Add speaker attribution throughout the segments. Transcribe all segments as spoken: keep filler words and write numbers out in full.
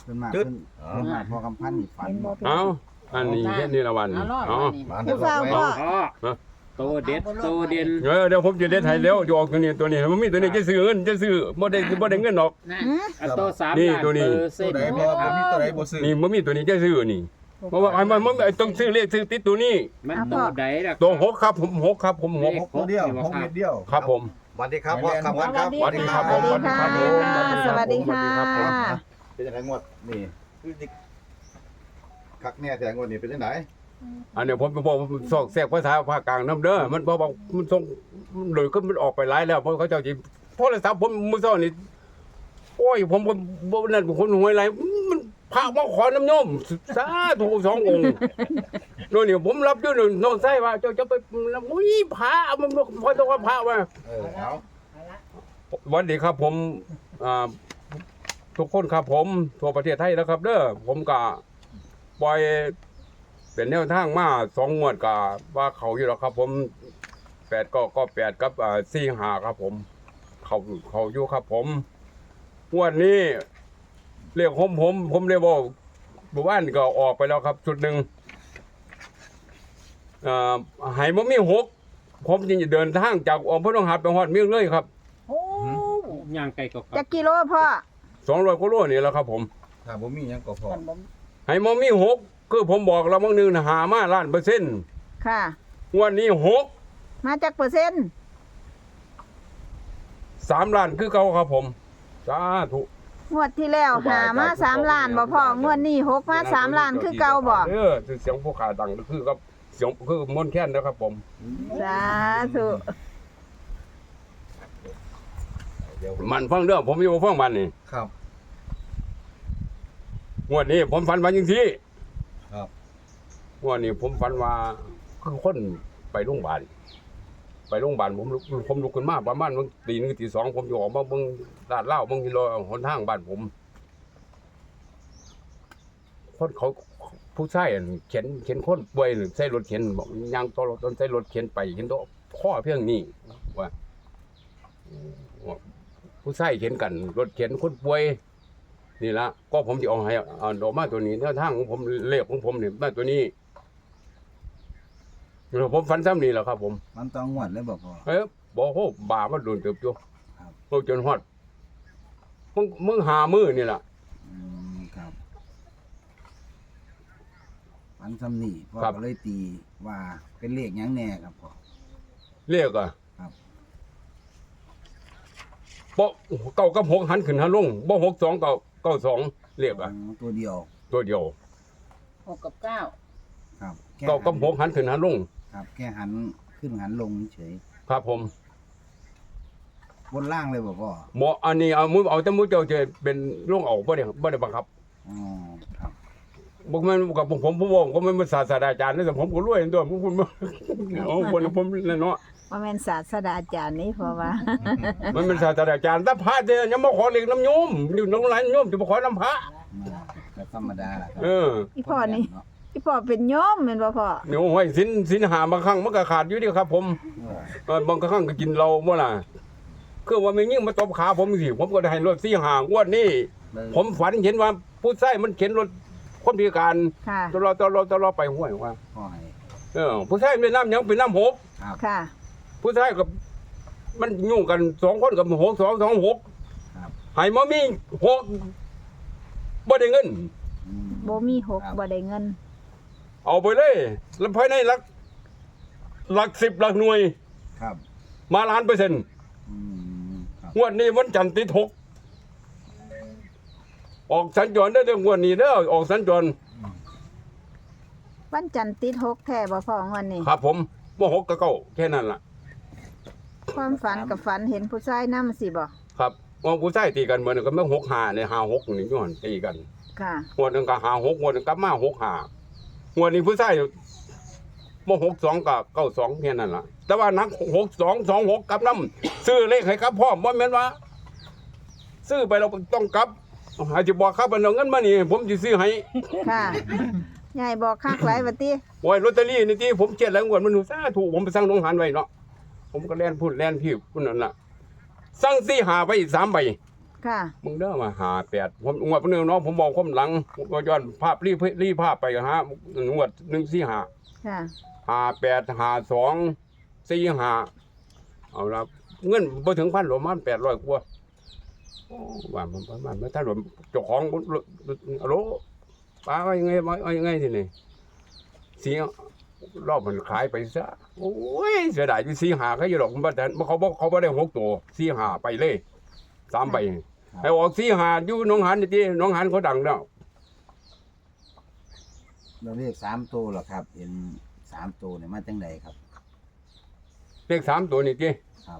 Speaker 1: ขึ้นมาขึ้นขึ้นมาพอกำพันนี่ฝัน
Speaker 2: เอาอันนี้เฮ็ดนี่ละวันนี่เอา
Speaker 3: ผู้เฝ้าพ่อ
Speaker 4: โตเด็ดโตเด่น
Speaker 2: เออเดี๋ยวผมจะเด็ดให้แล้วจะออกตัวนี้ตัวนี้มันมีตัวนี้จะซื้อเงินจะซื้อบ่ได้บ่ได้เงินหรอก
Speaker 4: โตสาม
Speaker 2: นี่
Speaker 4: ล้าน
Speaker 2: ตัวนี้
Speaker 4: เปอร์เซ็
Speaker 5: ตัวน ใด
Speaker 4: ต์
Speaker 5: บ่บ่มีตัวใดบ่ซื้อ
Speaker 2: นี่มันมีตัวนี้จะซื้อนี่เพราะว่าไอ้มันมันต้องซื้อเลขซื้อติดตัวนี้
Speaker 4: มันโตใดล่ะ
Speaker 2: ตัวหกครับผมหกครับผมหก
Speaker 5: หกตัวเดียวหกเม็ดเดียว
Speaker 2: ครับผม
Speaker 5: สวัสดีครับพ่อครับครับ
Speaker 2: สวัสดีครับ
Speaker 3: สวัสดีค่ะ
Speaker 2: สวัสดีครับ
Speaker 3: สวัสดีค่ะ
Speaker 5: เป็นยังไงงวดนี่คือสิคักแน่แต่งวดนี้เป็นจังได
Speaker 2: อันนี้ผมบอกผมสอกแทรกภาษาภาคกลางน้ำเด้อมันบอกมันส่งเลยก็มันออกไปหลายแล้วเพราะเขาเจ้าจีโทรศัพท์ผมมือซ้อนนี่โอ้ยผมผมบ่นั่นคนหวยไรมันพระมาขอน้ำโยมสาธุสององค์โน่นนี่ผมรับอยู่นึงน้องไส้ว่าเจ้าจะไปอุ้ยพระมันพอต้องว่าพระว่า
Speaker 5: เออเอา
Speaker 2: วันดีครับผมอ่าทุกคนครับผมทั่วประเทศไทยแล้วครับเด้อผมก็ปล่อยเป็นแนวทางมาสองงวดก็ว่าเขาอยู่แล้วครับผมแปดก็ก็แปดกับอ่าสี่ห้าครับผม เขาเขาอยู่ครับผมงวดนี้เรียกผมผมผมเรียกว่าบุบ้านก็ออกไปแล้วครับจุดหนึ่งอ่าหายมันมีหกผมจึงจะเดินทางจากอมพระนองหัดไปฮอดเมียงเลยครับ
Speaker 3: โอ้
Speaker 4: ย่างไก่ก็
Speaker 3: จักกิโลพ่อ
Speaker 2: สองร้อยกิโลนี่แหละครับผม
Speaker 5: ถ้าบ่มีหยังก็พอ
Speaker 2: หายมันมีหกคือผมบอกแล้วบางนึงนะหามาล้านเปอร์เซ็นต์
Speaker 3: ค่ะ
Speaker 2: งวดนี้หก
Speaker 3: มาจากเปอร์เซ็นต์
Speaker 2: สามล้านคือเก่าครับผมสาธุ
Speaker 3: งวดที่แล้วหามาสามล้านบ่พ่องวดนี้หกมาสามล้านคือเก่าบ่
Speaker 2: เออเสียงผู้ขาดังคือครับเสียงคือมนต์แค้นนะครับผม
Speaker 3: สาธุ
Speaker 5: เดี๋ยว
Speaker 2: มันฟังเรื่องผมอยู่ฟังมันนี่
Speaker 5: ครับ
Speaker 2: งวดนี้ผมฝันว่าจังซี่
Speaker 5: ครับ
Speaker 2: งวดนี้ผมฝันว่าคือคนไปโรงพยาบาลไปโรงพยาบาลผมลุกผมลุกขึ้นมาประมาณมื้อตีหนึ่งตีสองผมอยู่ออกมาเบิ่งลาดเหล้าเบิ่งกิโลหนทางบ้านผมคนเขาผู้ชายอั่นเข็นเข็นคนป่วยหรือใส่รถเข็นบอกยางตัวรถต้นใส่รถเข็นไปเห็นตัวข้อเพียงนี้ว่าผู้ชายเข็นกันรถเข็นคนป่วยนี่ละก็ผมจะเอาให้เอาดอกไม้ตัวนี้แนวทางของผมเลขของผมเนี่ยมาตัวนี้ผมฝันซ้ำนี่แหละครับผม
Speaker 1: มันต้องงวดเลยบ่พอ
Speaker 2: เอ้ยบอกโหบามันโดนเติบอยู่
Speaker 1: ครับ
Speaker 2: โตจนฮอดมึงมึงหามือนี่ล่ะ
Speaker 1: อืมครับฝันซ้ำนี่พ่อ
Speaker 2: ครับ
Speaker 1: ก็เลยตีว่าเป็นเลขหยังแน่ครับพ่อ
Speaker 2: เรียกอ่ะ
Speaker 1: ครับ
Speaker 2: บ่เก้ากับหกหันขึ้นหันลงบ่หกสองเก้าเก้าสองเรียกอ่ะ
Speaker 1: อ๋อตัวเดียว
Speaker 2: ตัวเดียว
Speaker 3: หกกับเก้า
Speaker 1: ครับแค่
Speaker 2: เก้ากับหกหันขึ้นหันลง
Speaker 1: ครับแค่หันขึ้นหันลงเฉย
Speaker 2: ครับผม
Speaker 1: บนล่างเลยบ่พ่อ
Speaker 2: บ่อันนี้เอามือเอาแต่มือเจ้าจะเป็นลงเอาบ่ได้บ่ได้บังคับ
Speaker 1: อ๋อครับ
Speaker 2: บ่แม่นกับผมผมผู้บอกก็ไม่นศาสตราจารย์นะแต่ผมก็รวยตัวผมคุณเอาคนผมนั่นเนาะ
Speaker 3: ว่าแม่นศาสตราจารย์นี่เพราะว่า
Speaker 2: มันเป็นศาสตราจารย์แต่พระเจ้ายังมาขอเล็กน้ำโยมอยู่น้องหลานโยมจะมาขอน้ำพระ
Speaker 1: มาก็ธรรมดาล่ะครั
Speaker 2: เออ
Speaker 3: อีพ่อนี่
Speaker 1: เาะ
Speaker 3: อีพ่อเป็นโยมแม่นบ่พ่อ
Speaker 2: เดี๋ยวห้อยสินสินหาบางครั้งมันก็ขาดอยู่เดีครับ ผม
Speaker 1: เออ
Speaker 2: เออบางครั้งก็กินเราบ่ล่ะคือว่าไม่ยิ่งมาตบขาผมสิผมก็ได้ให้รถสี่หางวดนี้
Speaker 1: เลย
Speaker 2: ผมฝันเห็นว่าผู้ชายมันเข็นรถคนพิการ
Speaker 3: ค่ะ
Speaker 2: ตลอดตลอดตลอดไปห้วยว่า
Speaker 1: พ่อให้
Speaker 2: เออผู้ชายเป็นน้ำหยังเป็นน้ำหก
Speaker 1: ครับ
Speaker 3: ค่ะ
Speaker 2: ผู้ชายกับมันยุ่งกันสองคนกับหกสองสองหก
Speaker 1: ครับ
Speaker 2: ให้มามีหกบ่ได้เงิน
Speaker 1: อืม
Speaker 3: บ่มีหก
Speaker 1: ครับ
Speaker 3: บ่ได้เงิน
Speaker 2: เอาไปเลยแล้วภายในหลักหลักสิบหลักหน่วย
Speaker 1: ครับ
Speaker 2: มาล้านเปอร์เซ็นต์
Speaker 1: อืมครับ
Speaker 2: งวดนี้วันจันทร์ติดหกออกสัญจรได้เรื่องงวดนี้เด้อออกสัญจร
Speaker 3: วันจันทร์ติดหกแท้บ่พ่องวันนี้
Speaker 2: ครับผมว่าหกกับเก้าแค่นั้นล่ะ
Speaker 3: ความฝันกับฝันเห็นผู้ชายนำสิบ่
Speaker 2: ครับว่าผู้ชายตีกันเหมือนกันไม่หกหาเนี่ยหาหกนี่ย้อนตีกัน
Speaker 3: ค่ะ
Speaker 2: งวดหนึงก็หาหกงวดหนึงก็มาหกหางวดนี้ผู้ชายว่าหกสองกับเก้าสองแค่นั้นล่ะ แต่ว่านักหกสองสองหกกับน้ำซื้อเลขให้ครับพ่อบ่แม่นว่า ซื้อไปเราต้องกลับอาจจะบอกครับเอาเงินมานี่ผมจะซื้อให้
Speaker 3: ค่ะยายบอกคักหลายว่าติ
Speaker 2: โอ้ยลอตเตอรี่นี่ที่ผมเจ็ดแล้วงวดมันหนูซาถูกผมไปสั่งโรงงานไว้เนาะผมก็แล่นพูดแล่นพี่พุ่นนั่นล่ะสั่งสี่หาไปอีกสามใบ
Speaker 3: ค่ะ
Speaker 2: มึงเด้อมาหาแปดผมงวดเพิ่นเนาะผมบอกความหลังผมก็ย้อนภาพรีบรีภาพไปหางวดหนึ่งสี่ห้า
Speaker 3: ค่ะ
Speaker 2: ห้าแปดห้าสองสี่ห้าเอาละเงินบ่ถึงพันหรอกมันแปดร้อยกว่าโอ้ว่ามันประมาณถ้าหลวเจ้าของอะโหลป้าว่ายังไงว่ายังไงทีนี่เสียรอบมันขายไปซะโอ้ยเสียดายที่สี่ห้าเขาอยู่หรอกมันแต่เขาบอกเขาบ่ได้หกตัวสี่ห้าไปเลยสามใบไอ้ออกสี่ห้าอยู่หนองหันนี่ติหนองหันเขาดังแล้ว
Speaker 1: เราเรียกสามตัวเหรอครับ เห็นสามตัวเนี่ยมาจังใดครับ
Speaker 2: เลขสามตัวนี่ติ
Speaker 1: ครับ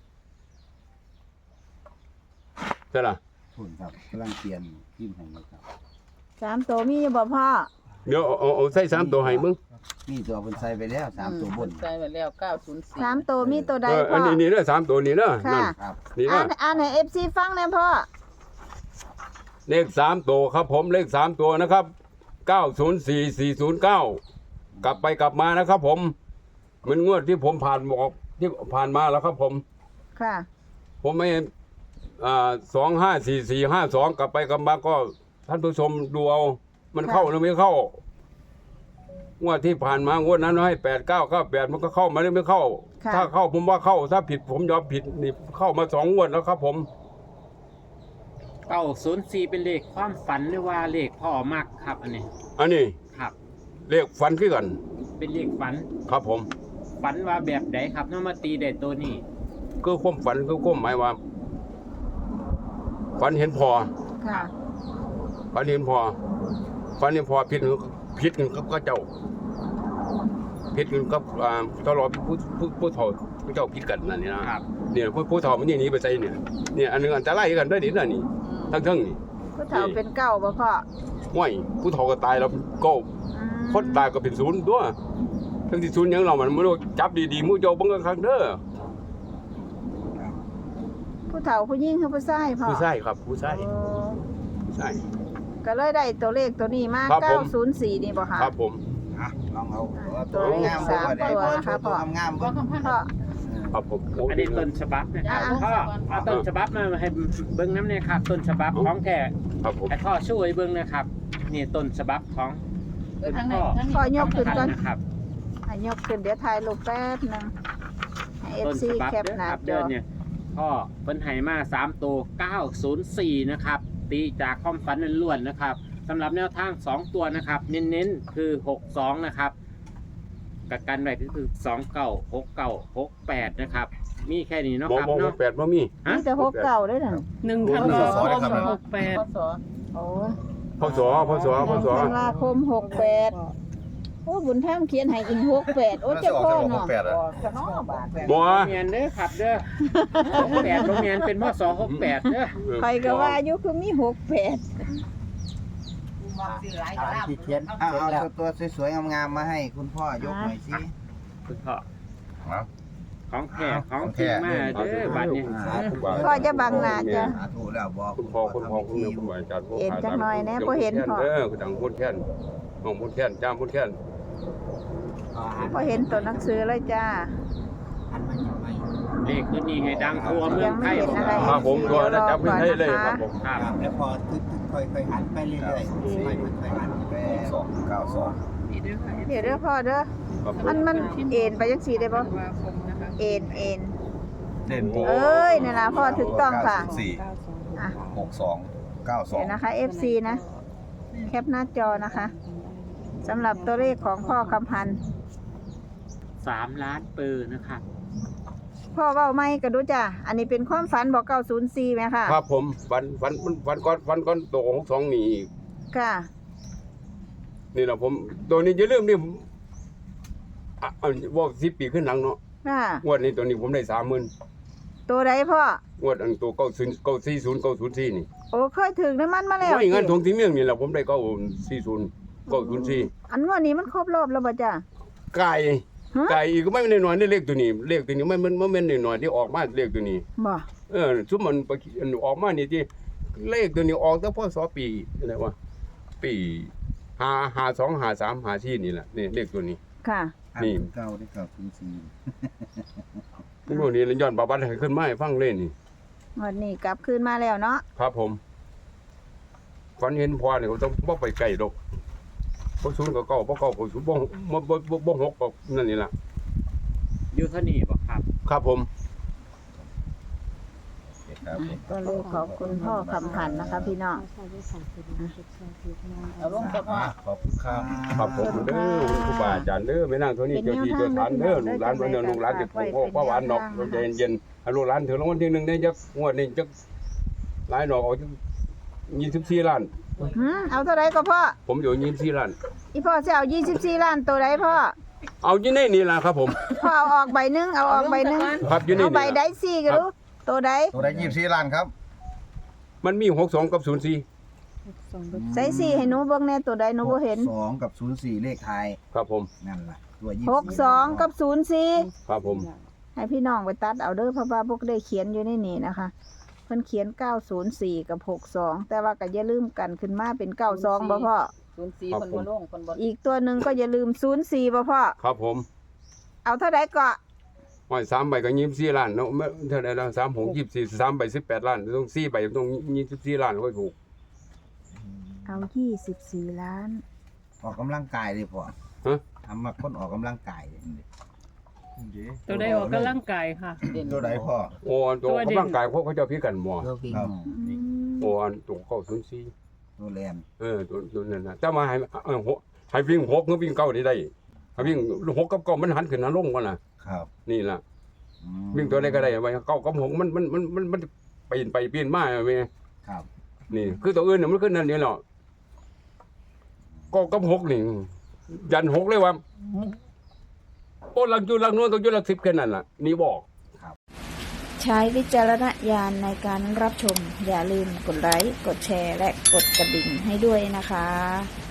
Speaker 2: ใช่ล่ะ
Speaker 1: ทุนครับกำลังเปลี่ยนพิมพ์ให้อยู่ครับ
Speaker 3: สามตัวมีอยู่บ่พ่อ
Speaker 2: เดี๋ยวเอาเอาเอาใส่สามตัวให้มึง
Speaker 1: นี่ตัวเพิ่นใส่ไปแล้วสามตัวบน
Speaker 6: ใส่ไปแล้วเก้าศูนย์สี่
Speaker 3: สามตัวมีตัวใด
Speaker 2: เออ
Speaker 3: พ่
Speaker 2: อั
Speaker 3: อน
Speaker 2: นี้นี่เด้อสามตัวนี่เด้อ
Speaker 3: ค่ะ
Speaker 2: นั่น
Speaker 1: ครับ
Speaker 2: นี่
Speaker 3: อ่า
Speaker 2: เด้อ
Speaker 3: นอ่านให้ เอฟ ซี ฟังแน่พ่อ
Speaker 2: เลขสามตัวครับผมเลขสามตัวนะครับเก้าศูนย์สี่สี่ศูนย์เก้ากลับไปกลับมานะครับผมเหมือนงวดที่ผมผ่านบอกที่ผ่านมาแล้วครับผม
Speaker 3: ค่ะ
Speaker 2: ผมไม่อ่าสองห้าสี่สี่ห้าสองกลับไปกลับมาก็ท่านผู้ชมดูเอามันเข้าหรือไม่เข้างวดที่ผ่านมางวดนั้นให้แปดเก้าเก้าแปดมันก็เข้ามาหรือไม่เข้า
Speaker 3: ค่ะ
Speaker 2: ถ้าเข้าผมว่าเข้าถ้าผิดผมยอมผิดนี่เข้ามาสองงวดแล้วครับผม
Speaker 4: เก้าศูนย์สี่เป็นเลขความฝันหรือว่าเลขพ่อมักครับอันนี้
Speaker 2: อันนี้
Speaker 4: ครับ
Speaker 2: เลขฟันขึ้นกัน
Speaker 4: เป็นเลขฝัน
Speaker 2: ครับผม
Speaker 4: ฝันว่าแบบใดครับน้องมาตีได้ตัวนี้
Speaker 2: คือความฝันคือความหมายว่าฝันเห็นพอ
Speaker 3: ค่ะ
Speaker 2: ฝันเห็นพอฝันเห็นพอผิดผิดกันกับก็เจ้าผิดกันกับอ่าตลอดผู้ผู้ผู้เฒ่าผู้เจ้าผิดกันนั่นนี่นะครับ เนี่ยผู้ผู้เฒ่ามันนี่หนีไปใส่เนี่ยเนี่ยอันหนึงอันตรายกันด้วยนี่น่ะนี่ทั้งทั้งนี่
Speaker 3: ผู้เฒ่าเป็นเก้าบ่พ่อ
Speaker 2: ห้วยผู้เฒ่าก็ตายแล้วก็
Speaker 3: อืม
Speaker 2: คนตายก็เป็นศูนย์ตัวทั้งที่ศูนย์หยังเรามันบ่รู้จับดีๆหมู่เจ้าเบิ่งกันครั้งเด้อ
Speaker 3: ผู้เฒ่าผู้หญิงคือผู้ชายพ่อ
Speaker 2: ผู้ชายครับผู้ชาย
Speaker 3: โอ้
Speaker 2: ผู้ชาย
Speaker 3: ก็เลยได้ตัวเลขตัวนี้มา
Speaker 2: ครับผม
Speaker 3: เก้าศูนย์สี่นี่บ่คะ
Speaker 2: ครับผม
Speaker 1: อ่ะลองเอา
Speaker 3: ตัวเลข
Speaker 1: งาม
Speaker 3: สาม
Speaker 1: ได้
Speaker 3: ตัว
Speaker 1: พอ
Speaker 3: นะคะ
Speaker 1: โชว์ตัว
Speaker 3: พ่อ
Speaker 1: งามๆ
Speaker 6: ก็
Speaker 1: เบิ่ง
Speaker 6: คำพัน
Speaker 3: พ่อ
Speaker 2: ครับผมโ
Speaker 4: อันนี้ต้นฉบับนะครับ
Speaker 3: อ่า
Speaker 4: พ่อเอาต้นฉบับมาให้เบิ้งน้ำเนี่ยครับต้นฉบับของแท้
Speaker 2: ครับผม
Speaker 4: ให้พ่อช่วยเบิ้งนะครับนี่ต้นฉบับของ
Speaker 6: เออทั้งไหนทั้งนี้
Speaker 3: พ่อยกขึ้นก่อน
Speaker 4: นะครับ
Speaker 3: ให้ยกขึ้นเดี๋ยวถ่ายรูปแป๊บนึงให้ เอฟ
Speaker 4: ต้น
Speaker 3: ซี
Speaker 4: ฉบับ
Speaker 3: แคป
Speaker 4: เด้อ
Speaker 3: หน้า
Speaker 4: ครับ
Speaker 3: จ
Speaker 4: เดิ
Speaker 3: อน
Speaker 4: เนี่ยพ่อเพิ่นให้มาสามตัวเก้าศูนย์สี่นะครับตีจากความฝันล้วนๆนะครับสำหรับแนวทางสองตัวนะครับ เน้นๆคือหกสองนะครับกับกันไว้ก็คือสองเก้าหกเก้าหกแปดนะครับมีแค่นี้เนาะ
Speaker 2: บ่
Speaker 4: ครับ
Speaker 2: บ่บ่
Speaker 4: เนาะ
Speaker 2: แปดบ่มี
Speaker 4: ฮะ
Speaker 3: มีแต่หกเก่าด้วยน่ะ
Speaker 6: หนึ่ง
Speaker 2: โอ้
Speaker 6: ธัน
Speaker 2: ย
Speaker 6: วาคมหกแปดพศ
Speaker 3: โอ้
Speaker 2: พศพศพศ
Speaker 3: ธันวาคมหกแปดโอ้บุญท่ามเขียนให้อีกหกแปดโอ้
Speaker 5: มัน
Speaker 3: เจ้า
Speaker 5: จะออก
Speaker 3: พ่อ
Speaker 5: จะบอกห
Speaker 3: เนาะ
Speaker 5: กแปดอ่ะ
Speaker 6: จะน้อบาท
Speaker 2: บ่
Speaker 4: โรงเรียนเด้อครับเด้อหกแปดโรงเรียนเป็นพศหกแปดเด้อ
Speaker 3: ใครก็ว่าอยู่คือมีหกแปด
Speaker 1: ที่เขียนเอาเอาตัวสวยๆงามๆมาให้คุณพ่อยกหน่อยสิ
Speaker 4: คุณพ่อ
Speaker 5: เอา
Speaker 4: ของแท้ของจริงมาเด้อบัดนี้
Speaker 3: พ่อจะบังหน้าจ้ะ
Speaker 1: สาธุแล้วบอก
Speaker 2: คุณพ่อคุณพ่อคุณแม่คุณอาจารย์
Speaker 3: เห็นจักหน่อยแน่บ่เห็นพ่อ
Speaker 2: เด้อคุณดังพูดแค่นน้องพูดแค่นจ้ามพูดแค่น
Speaker 3: พอเห็นตัวหนังสือเลยจ้า
Speaker 4: เลขตัวนี้ให้ดังทั่วเมืองไทย
Speaker 3: ยังไม่เห็นอะไร
Speaker 2: ครับผมตัวนะจับให้เลยครับผม
Speaker 4: ครับ
Speaker 1: แล้วพอทึกค่อยๆหันไปเรื่อยๆค่อยๆหันไป
Speaker 5: สองเก้าสอง
Speaker 6: นี่เด้อค่ะ
Speaker 3: เดี๋ยวเด้อพ่อเด้อ
Speaker 2: ครับผม
Speaker 3: มันมันเอ็นไปจังซี่ได้บ่
Speaker 6: ธันวาคมนะคะ
Speaker 3: เอ็นเอ็น
Speaker 5: เด่น
Speaker 3: เอ้ยนั่นล่ะพ่อถูกต้องค่ะ
Speaker 5: สี่
Speaker 3: อ่ะ
Speaker 5: หกสองเก้าสอง
Speaker 3: เดี๋ยวนะคะ เอฟ ซี นะ แคปหน้าจอนะคะสำหรับตัวเลขของพ่อคำพันธ์
Speaker 4: สามล้านปืนนะครับ
Speaker 3: พ่อเว้าไม่ก็ดูจ้ะอันนี้เป็นความฝันบอกเก้าศูนย์สี่ไหมค่ะ
Speaker 2: ครับผมฟันฟันฟันก้อนฟันก้อนโตของสองนี่อีก
Speaker 3: ค่ะ
Speaker 2: นี่แหละผมตัวนี้อย่าลืมนี่ผมอ่ะอ่ะว่าสิบปีขึ้นหลังเนาะ
Speaker 3: ค่ะ
Speaker 2: งวดนี้ตัวนี้ผมได้สามหมื่น
Speaker 3: ตัวใดพ่อง
Speaker 2: วดอันตัวเก้าศูนย์เก้าสี่ศูนย์เก้าศูนย์สี่นี่
Speaker 3: โอ้เคยถึงน้ำมันมาแล้ว
Speaker 2: ไม่งั้น
Speaker 3: สิ
Speaker 2: ทงที่เมืองนี่แหละผมได้เก้าสี่ศูนย์เก้าศูนย์สี่
Speaker 3: อันงวดนี้มันครบรอบแล้วบ่จ้ะ
Speaker 2: ไก่
Speaker 3: ฮะ
Speaker 2: ไก่อีกก็ไม่เป็นน้อยนี่เลขตัวนี้เลขตัวนี้ไม่มันไม่เป็นน้อยที่ออกมาเลขตัวนี้
Speaker 3: บ่
Speaker 2: เออซุมมันไปอันออกมานี่ที่เลขตัวนี้ออกแต่พศปีอะไรวะปีห้าห้าสองห้าสามห้าสี่นี่แหละนี่เลขตัวนี้
Speaker 3: ค่ะ
Speaker 2: นี่
Speaker 1: เก้าได้เก้าศูนย์สี่
Speaker 2: พวกนี้ย้อนประวัติให้ขึ้นมาให้ฟังเลยนี่
Speaker 3: วันนี้กลับคืนมาแล้วเนาะ
Speaker 2: ครับผมฝันเห็นพ่อเนี่ยก็ต้องบ่ไปไกลดอกบ่ศูนย์ก็เก้าบ่เก้าก็ศูนย์บ่บ่บ่บ่บ่หกก็นั่นนี่ล่ะ
Speaker 4: อยู่เท่านี้บ่ครับ
Speaker 2: ครับผม
Speaker 5: ครับ
Speaker 3: ตัวเลขของคุณพ่อคำพันธ์นะคะ พี่น้อง
Speaker 6: เอาลงเฉพาะ
Speaker 5: ขอบคุณครับ
Speaker 2: ครับผมเด้อครูบาอาจารย์เด้อแม่นางเท่านี้เจ้าที่เจ้าทานเด้อลูกหลานเพิ่นเด้อลูกหลานสิปลูกโอ้ป้าหวานดอกใจเย็นๆให้ลูกหลานถึงรางวัลที่หนึ่งได้จักงวดนี้จักหลายดอกเอาจักยี่สิบสี่ล้าน
Speaker 3: หืมเอาเท่าไรก็พ่อ
Speaker 2: ผมอยู่ยี่สิบสี่ล้าน
Speaker 3: อีพ่อจะเอายี่สิบสี่ล้านตัวไรพ่อ
Speaker 2: เอาอยู่ในนี่ล่ะครับผม
Speaker 3: พ่อเอาออกใบหนึงเอาออกใบหนึง
Speaker 2: ครับอยู่ใน
Speaker 3: เอา
Speaker 2: นี่
Speaker 3: ใบได
Speaker 2: ล่ะ
Speaker 3: ซี่กันลูกตัวใด
Speaker 5: ตัวได้ยี่สิบสี่ล้านครับ
Speaker 2: มันมีหกสองกับศูนย์สี่
Speaker 3: ใส่ซี่ให้หนูเบิ่งแน่ตัวใดหนูบ่เห็น
Speaker 1: สองกับศูนย์สี่เลขไทย
Speaker 2: ครับผม
Speaker 1: นั่นล่ะตัวยี่
Speaker 3: หกสองกับศูนย์สี่
Speaker 2: ครับผม
Speaker 3: ให้พี่น้องไปตัดเอาเด้อเพราะว่าพวกได้เขียนอยู่ในนี่นะคะเพิ่นเขียนเก้าศูนย์สี่กับหกสองแต่ว่าก็อย่าลืมกันขึ้นมาเป็นเก้าสองบ่พ่อ
Speaker 6: ศูนย์สี่คนบ่ลงคนบ่
Speaker 3: อีกตัวหนึ่งก็อย่าลืมศูนย์สี่บ่พ่อ
Speaker 2: ครับผม
Speaker 3: เอาเท่าใดก็
Speaker 2: ห้อยสามใบก็ยี่สิบสี่ล้านเนาะไม่เท่าไหร่แล้วสามหกยี่สิบสี่สามใบสิบแปดล้านต้องสี่ใบต้องยี่สิบสี่ล้านก็ถูก
Speaker 3: เอายี่สิบสี่ล้าน
Speaker 1: ออกกำลังกายดิพ่อ
Speaker 2: ฮะ
Speaker 1: ทำมาคนออกกำลังกายดิ
Speaker 6: ตัวได้ออกกำลังกายค่ะ
Speaker 5: ตัวไหนพ่อ
Speaker 2: โอ้อันตัว
Speaker 6: ตัวเด่น
Speaker 2: กำลังกายเขาเขาจะพิกันหมอ
Speaker 1: ตัววิ่ง
Speaker 5: ครับ
Speaker 3: อืม
Speaker 2: โอ้อันตัวเก้าศูนย์สี่
Speaker 1: ตัวแลน
Speaker 2: เออตัวตัวนั้นนะแต่มาให้เออหกให้วิ่งหกก็วิ่งเก้าได้ได้ให้วิ่งหกกับเก้ามันหันขึ้นหันลงกันล่ะ
Speaker 5: ครับ
Speaker 2: นี่ล่ะ
Speaker 1: อืม
Speaker 2: วิ่งตัวใดก็ได้ไว้เก้ากับหกมันมันมันมันมันปีนไปปีนมาเว้ย
Speaker 1: ครับ
Speaker 2: นี่ คือตัวอื่นน่ะมันขึ้นนั่นนี่เนาะเก้ากับหกนี่ยันหกเลยว่าโอ้หลังอยู่หลังนู้นต้องอยู่หลักสิบแค่นั้นล่ะนี่บอก
Speaker 3: ใช้วิจารณญาณในการรับชม อย่าลืมกดไลค์ กดแชร์ และกดกระดิ่งให้ด้วยนะคะ